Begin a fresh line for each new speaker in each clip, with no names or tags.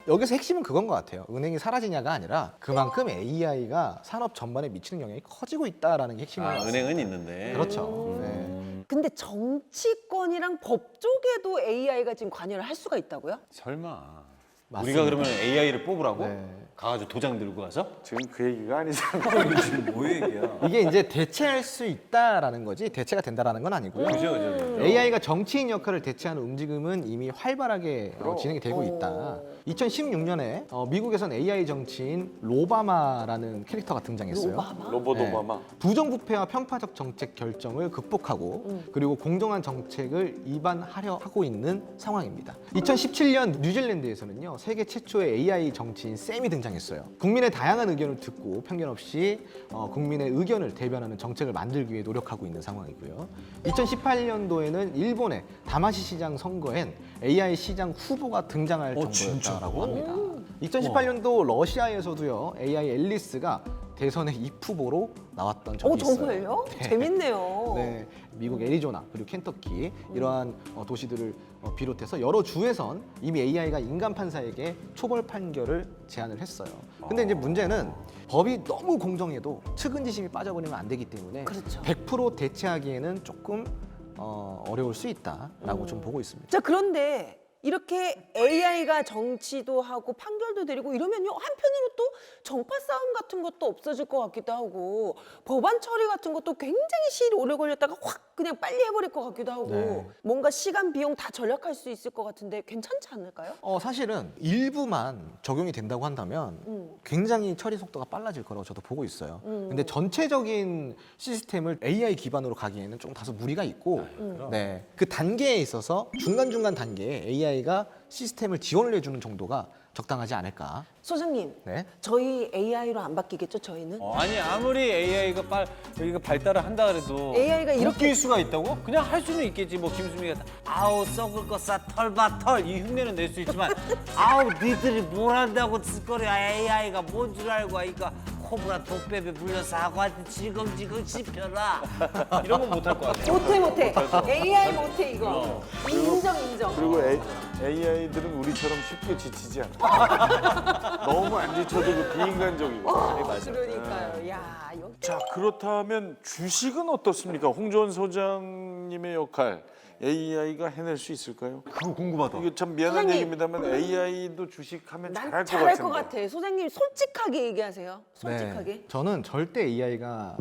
여기서 핵심은 그건 것 같아요. 은행이 사라지냐가 아니라 그만큼 AI가 산업 전반에 미치는 영향이 커지고 있다라는 게 핵심인 것 같습니다.
은행은 있는데.
그렇죠. 네.
근데 정치권이랑 법 쪽에도 AI가 지금 관여를 할 수가 있다고요?
설마.
맞습니다.
우리가 그러면 AI를 뽑으라고?
네.
가가지고 도장 들고 가서?
지금 그 얘기가 아니잖아.
지금 뭐 얘기야?
이게 이제 대체할 수 있다라는 거지 대체가 된다라는 건 아니고요.
그죠.
AI가 정치인 역할을 대체하는 움직임은 이미 활발하게 진행이 되고 있다. 2016년에 미국에선 AI 정치인 로바마라는 캐릭터가 등장했어요.
로봇
네.
오바마.
부정부패와 편파적 정책 결정을 극복하고 그리고 공정한 정책을 입안하려 하고 있는 상황입니다. 2017년 뉴질랜드에서는요 세계 최초의 AI 정치인 샘이 등장했어요. 국민의 다양한 의견을 듣고 편견 없이 국민의 의견을 대변하는 정책을 만들기 위해 노력하고 있는 상황이고요. 2018년도에는 일본의 다마시 시장 선거엔 AI 시장 후보가 등장할 정도였다라고 합니다. 2018년도 러시아에서도요 AI 앨리스가 대선의 입후보로 나왔던 적이 있어요.
정말요? 재밌네요.
네, 미국 애리조나 그리고 켄터키 이러한 도시들을 비롯해서 여러 주에선 이미 AI가 인간 판사에게 초벌 판결을 제안을 했어요. 근데 이제 문제는 법이 너무 공정해도 측은지심이 빠져버리면 안 되기 때문에
그렇죠.
100% 대체하기에는 조금 어려울 수 있다라고 좀 보고 있습니다.
자, 그런데 이렇게 AI가 정치도 하고 판결도 내리고 이러면요 한편으로 또 정파 싸움 같은 것도 없어질 것 같기도 하고 법안 처리 같은 것도 굉장히 시일이 오래 걸렸다가 확 그냥 빨리 해버릴 것 같기도 하고
네.
뭔가 시간 비용 다 절약할 수 있을 것 같은데 괜찮지 않을까요?
사실은 일부만 적용이 된다고 한다면 굉장히 처리 속도가 빨라질 거라고 저도 보고 있어요. 근데 전체적인 시스템을 AI 기반으로 가기에는 좀 다소 무리가 있고 네, 그 단계에 있어서 중간중간 단계에 AI가 시스템을 지원을 해주는 정도가 적당하지 않을까.
소장님,
네.
저희 AI로 안 바뀌겠죠, 저희는?
아니 아무리 AI가 발달을 한다 그래도
AI가 이렇게-
웃길 수가 있다고? 그냥 할 수는 있겠지. 뭐 김수미가 아우 썩을 거 싸 털봐 털 이 흉내는 낼 수 있지만 아우 니들이 뭘 한다고 짓거려 AI가 뭔 줄 알고 하니까 코브라 독뱀에 물려 사과한테 지긍지긍 씹혀라 이런 건 못할 것 같아.
못해. AI 못해, 이거. 인정.
그리고 AI들은 우리처럼 쉽게 지치지 않아. 너무 안 지쳐도 그 비인간적이고.
그러니까요. 야, 이거
자, 그렇다면 주식은 어떻습니까? 홍조원 소장님의 역할 AI가 해낼 수 있을까요?
그거 궁금하다.
이게 참 미안한
소장님.
얘기입니다만 AI도 주식하면
난
잘할 것
잘할
같은데.
것 같아. 소장님 솔직하게 얘기하세요. 솔직하게.
네, 저는 절대 AI가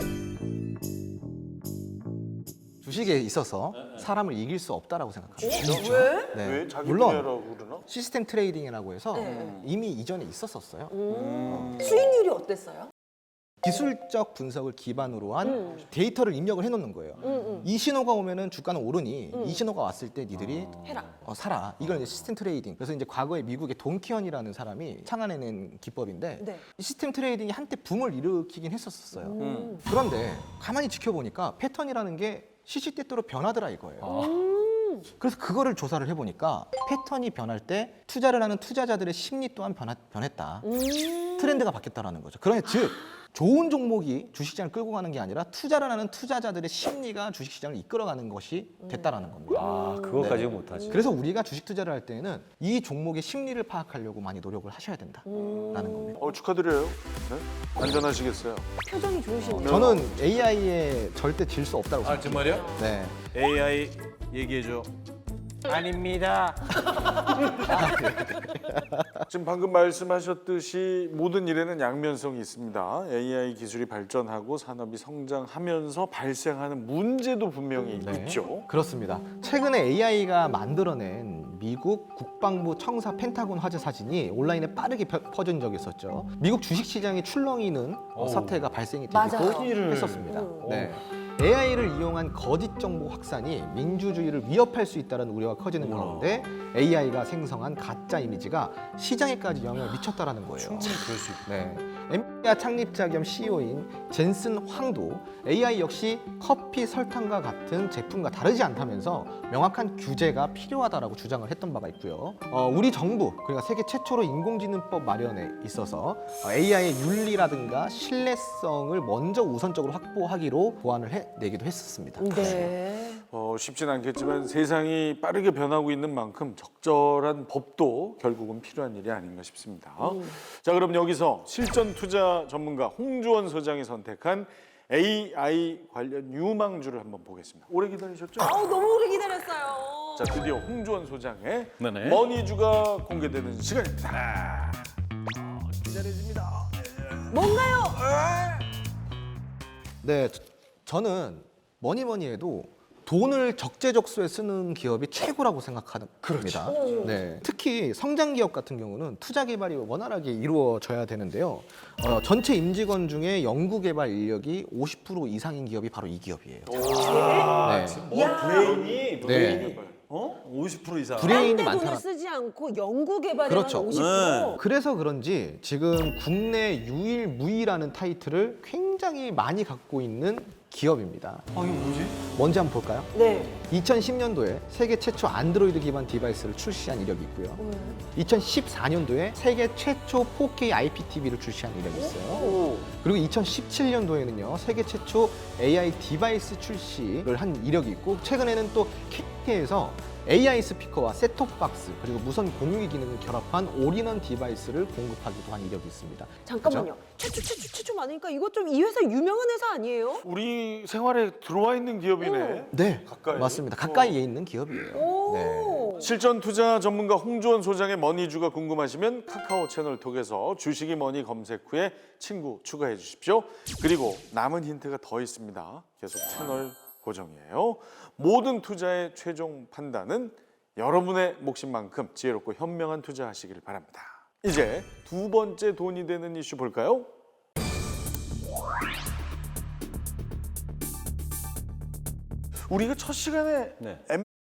주식에 있어서 사람을 이길 수 없다라고 생각합니다.
왜?
네.
왜 자기
물론
분야라고 그러나?
시스템 트레이딩이라고 해서
네.
이미 이전에 있었었어요.
수익률이 어땠어요?
기술적 분석을 기반으로 한 데이터를 입력을 해놓는 거예요. 이 신호가 오면은 주가는 오르니 이 신호가 왔을 때 니들이
해라.
사라. 이걸 이제 시스템 트레이딩. 그래서 이제 과거에 미국의 돈키언이라는 사람이 창안해낸 기법인데
네.
이 시스템 트레이딩이 한때 붐을 일으키긴 했었어요. 그런데 가만히 지켜보니까 패턴이라는 게 시시때때로 변하더라 이거예요. 그래서 그거를 조사를 해보니까 패턴이 변할 때 투자를 하는 투자자들의 심리 또한 변했다. 트렌드가 바뀌었다라는 거죠. 그러니 즉 좋은 종목이 주식시장을 끌고 가는 게 아니라 투자를 하는 투자자들의 심리가 주식시장을 이끌어가는 것이 됐다라는 겁니다.
아 그것까지는 못하지.
그래서 우리가 주식 투자를 할 때는 이 종목의 심리를 파악하려고 많이 노력을 하셔야 된다라는 겁니다.
축하드려요. 네? 안전하시겠어요?
표정이 좋으시네요.
저는 AI에 절대 질 수 없다고
아
생각해요.
정말요?
네.
AI 얘기해줘. 아닙니다.
지금 방금 말씀하셨듯이 모든 일에는 양면성이 있습니다. AI 기술이 발전하고 산업이 성장하면서 발생하는 문제도 분명히
네.
있죠.
그렇습니다. 최근에 AI가 만들어낸 미국 국방부 청사 펜타곤 화재 사진이 온라인에 빠르게 퍼진 적이 있었죠. 미국 주식시장이 출렁이는 사태가 발생이 되기도
맞아요.
했었습니다. 네. AI를 이용한 거짓 정보 확산이 민주주의를 위협할 수 있다는 우려가 커지는 가운데 AI가 생성한 가짜 이미지가 시장에까지 영향을 미쳤다라는 거예요.
충분히 그럴 수 있고.
네. 엔비디아 창립자 겸 CEO인 젠슨 황도 AI 역시 커피, 설탕과 같은 제품과 다르지 않다면서 명확한 규제가 필요하다라고 주장을 했던 바가 있고요. 우리 정부, 그러니까 세계 최초로 인공지능법 마련에 있어서 AI의 윤리라든가 신뢰성을 먼저 우선적으로 확보하기로 고안을 해내기도 했었습니다.
네.
쉽진 않겠지만 세상이 빠르게 변하고 있는 만큼 적절한 법도 결국은 필요한 일이 아닌가 싶습니다. 자, 그럼 여기서 실전 투자 전문가 홍주원 소장이 선택한 AI 관련 유망주를 한번 보겠습니다. 오래 기다리셨죠?
너무 오래 기다렸어요.
자, 드디어 홍주원 소장의
네네.
머니주가 공개되는 시간입니다. 기다려집니다.
뭔가요?
네, 저는 뭐니 해도 돈을 적재적소에 쓰는 기업이 최고라고 생각합니다. 네, 특히 성장 기업 같은 경우는 투자 개발이 원활하게 이루어져야 되는데요. 전체 임직원 중에 연구 개발 인력이 50% 이상인 기업이 바로 이 기업이에요. 네.
브레인이
네.
50% 이상.
브레인이
딴데
많다는.
돈을 쓰지 않고 연구 개발에만
그렇죠.
50%.
그래서 그런지 지금 국내 유일무이라는 타이틀을 굉장히 많이 갖고 있는 기업입니다.
이거 뭐지?
뭔지 한번 볼까요?
네.
2010년도에 세계 최초 안드로이드 기반 디바이스를 출시한 이력이 있고요. 2014년도에 세계 최초 4K IPTV를 출시한 이력이 있어요. 그리고 2017년도에는요, 세계 최초 AI 디바이스 출시를 한 이력이 있고, 최근에는 또 KT에서 AI 스피커와 셋톱박스 그리고 무선 공유기 기능을 결합한 올인원 디바이스를 공급하기도 한 이력이 있습니다.
잠깐만요. 최초 많으니까 이거 좀 이 회사 유명한 회사 아니에요?
우리 생활에 들어와 있는 기업이네.
네,
가까이?
맞습니다. 가까이에 있는 기업이에요. 네.
실전 투자 전문가 홍주원 소장의 머니주가 궁금하시면 카카오 채널 통해서 주식이 머니 검색 후에 친구 추가해 주십시오. 그리고 남은 힌트가 더 있습니다. 계속 채널 고정이에요. 모든 투자의 최종 판단은 여러분의 몫인만큼 지혜롭고 현명한 투자하시기를 바랍니다. 이제 두 번째 돈이 되는 이슈 볼까요? 우리가 첫 시간에
네.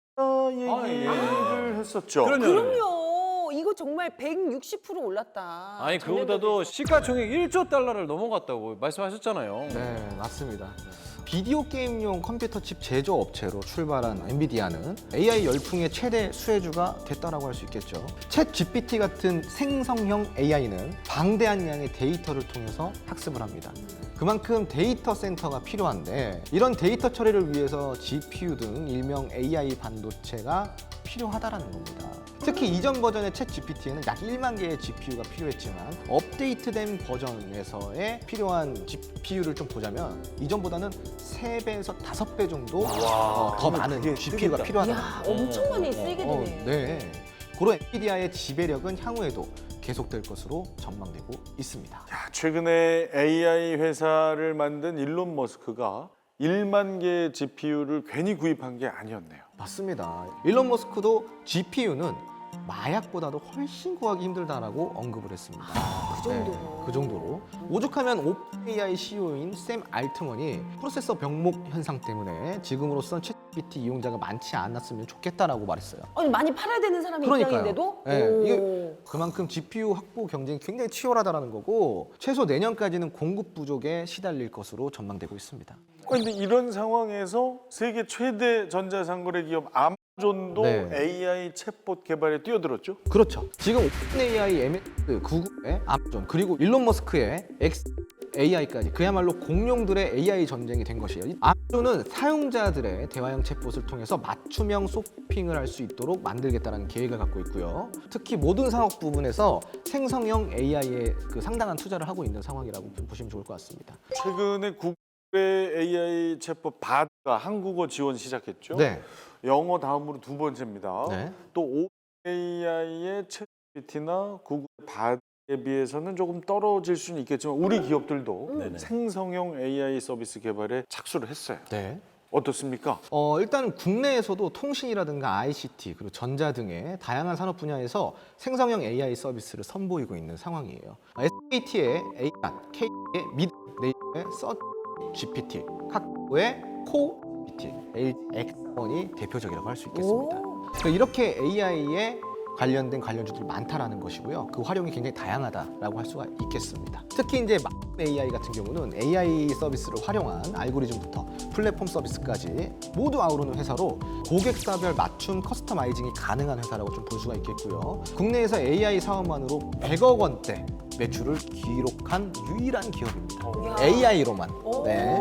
엠사 얘기를 했었죠.
그럼요. 이거 정말 160% 올랐다.
아니 그보다도 시가총액 1조 달러를 넘어갔다고 말씀하셨잖아요.
네, 맞습니다. 비디오 게임용 컴퓨터 칩 제조업체로 출발한 엔비디아는 AI 열풍의 최대 수혜주가 됐다라고 할 수 있겠죠. 챗 GPT 같은 생성형 AI는 방대한 양의 데이터를 통해서 학습을 합니다. 그만큼 데이터 센터가 필요한데, 이런 데이터 처리를 위해서 GPU 등 일명 AI 반도체가 필요하다라는 겁니다. 특히 이전 버전의 챗 GPT에는 약 1만 개의 GPU가 필요했지만, 업데이트된 버전에서의 필요한 GPU를 좀 보자면 이전보다는 3배에서 5배 정도 더 많은 GPU가
크겠다.
필요하다.
이야, 엄청 많이 쓰이게 되네.
네. 그런 엔비디아의 지배력은 향후에도 계속될 것으로 전망되고 있습니다.
야, 최근에 AI 회사를 만든 일론 머스크가 1만 개의 GPU를 괜히 구입한 게 아니었네요.
맞습니다. 일론 머스크도 GPU는 마약보다도 훨씬 구하기 힘들다라고 언급을 했습니다.
그 정도로.
네, 그 정도로. 오죽하면 오픈AI CEO인 샘 알트먼이 프로세서 병목 현상 때문에 지금으로선 챗GPT 이용자가 많지 않았으면 좋겠다라고 말했어요.
아니 많이 팔아야 되는 사람이
그러니까요.
입장인데도.
네,
오.
이게 그만큼 GPU 확보 경쟁이 굉장히 치열하다는 거고, 최소 내년까지는 공급 부족에 시달릴 것으로 전망되고 있습니다.
그런데 이런 상황에서 세계 최대 전자상거래 기업 아마존도
네.
AI 챗봇 개발에 뛰어들었죠?
그렇죠. 지금 오픈AI, MS, 구글의 아마존, 그리고 일론 머스크의 AI까지 그야말로 공룡들의 AI 전쟁이 된 것이에요. 아마존은 사용자들의 대화형 챗봇을 통해서 맞춤형 쇼핑을 할 수 있도록 만들겠다는 계획을 갖고 있고요. 특히 모든 산업 부분에서 생성형 AI에 상당한 투자를 하고 있는 상황이라고 보시면 좋을 것 같습니다.
최근에 구글의 AI 챗봇 바드가 한국어 지원 시작했죠?
네.
영어 다음으로 두 번째입니다.
네.
또 OpenAI의 챗GPT나 구글 바드에 비해서는 조금 떨어질 수는 있겠지만 우리 기업들도
네네.
생성형 AI 서비스 개발에 착수를 했어요.
네.
어떻습니까?
일단 국내에서도 통신이라든가 ICT 그리고 전자 등의 다양한 산업 분야에서 생성형 AI 서비스를 선보이고 있는 상황이에요. SKT의 AI, K의 미드, 네이버의 서치 GPT, 카카오의 코 GPT, LG X1이 대표적이라고 할 수 있겠습니다. 그러니까 이렇게 AI에 관련된 관련주들이 많다라는 것이고요. 그 활용이 굉장히 다양하다라고 할 수가 있겠습니다. 특히 이제 AI 같은 경우는 AI 서비스를 활용한 알고리즘부터 플랫폼 서비스까지 모두 아우르는 회사로 고객사별 맞춤 커스터마이징이 가능한 회사라고 좀 볼 수가 있겠고요. 국내에서 AI 사업만으로 100억 원대 매출을 기록한 유일한 기업입니다.
이야.
AI로만.
오.
네.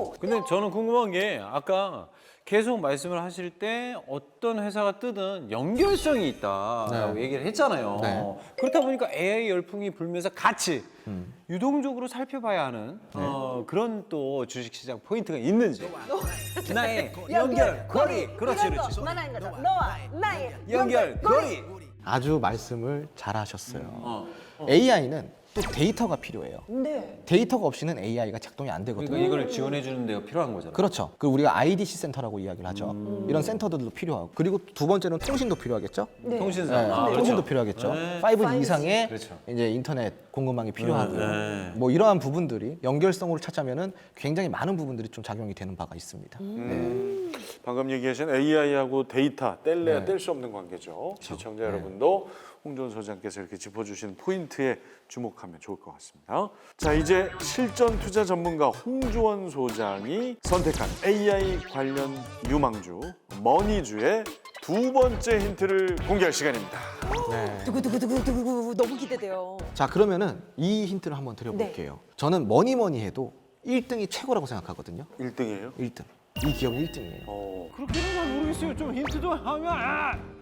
근데 저는 궁금한 게 아까 계속 말씀을 하실 때 어떤 회사가 뜨든 연결성이 있다라고
네.
얘기를 했잖아요.
네.
그렇다 보니까 AI 열풍이 불면서 같이 유동적으로 살펴봐야 하는 그런 또 주식시장 포인트가 있는지. 나의 연결고리. 그렇지, 그렇지.
만한 거죠. 너와 나의
연결고리.
아주 말씀을 잘하셨어요. AI는 또 데이터가 필요해요.
네.
데이터가 없이는 AI가 작동이 안 되거든요.
그러니까 이걸 지원해 주는 데가 필요한 거잖아요.
그렇죠. 그 우리가 IDC 센터라고 이야기를 하죠. 이런 센터들도 필요하고 그리고 두 번째는 통신도 필요하겠죠.
네.
통신사.
네,
그렇죠.
통신도 필요하겠죠.
네.
5G 이상의
그렇죠.
이제 인터넷 공급망이 필요하고요.
네.
뭐 이러한 부분들이 연결성으로 찾자면은 굉장히 많은 부분들이 좀 작용이 되는 바가 있습니다.
방금 얘기하신 AI하고 데이터 뗄래야
네.
뗄 수 없는 관계죠. 시청자 여러분도 홍준 소장께서 이렇게 짚어주신 포인트에 주목하면 좋을 것 같습니다. 자, 이제 실전 투자 전문가 홍주원 소장이 선택한 AI 관련 유망주 머니주의 두 번째 힌트를 공개할 시간입니다.
네.
두구두구두구두구 너무 기대돼요.
자, 그러면은 이 힌트를 한번 드려볼게요. 저는 뭐니 해도 1등이 최고라고 생각하거든요.
1등이에요?
1등. 이 기업은 1등이에요.
그렇게는 잘 모르겠어요. 좀 힌트 좀 하면.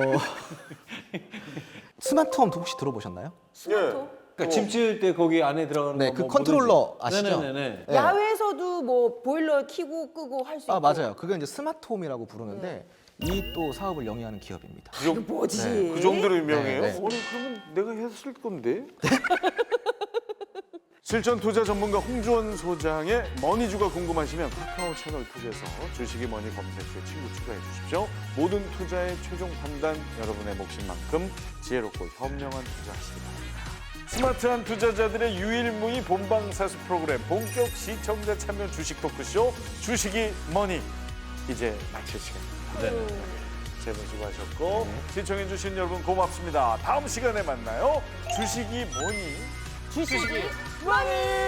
스마트홈 혹시 들어보셨나요?
그러니까 집 지을 때 거기 안에 들어가는
네,
거
그
뭐
컨트롤러
뭐든지.
아시죠?
네네네.
네.
야외에서도 뭐 보일러 켜고 끄고 할 수 있고.
아, 맞아요. 그게 이제 스마트홈이라고 부르는데 이 또 사업을 영위하는 기업입니다.
이거 뭐지?
그 정도로 유명해요?
네, 네.
아니 그러면 내가 했을 건데. 실전 투자 전문가 홍주원 소장의 머니주가 궁금하시면 카카오 채널 톡에서 주식이 머니 검색 후에 친구 추가해 주십시오. 모든 투자의 최종 판단 여러분의 몫인 만큼 지혜롭고 현명한 투자하시기 바랍니다. 스마트한 투자자들의 유일무이 본방사수 프로그램 본격 시청자 참여 주식 토크쇼 주식이 머니 이제 마칠 시간입니다. 세 분 수고하셨고 시청해주신 여러분 고맙습니다. 다음 시간에 만나요. 주식이 뭐니?
주식이 많이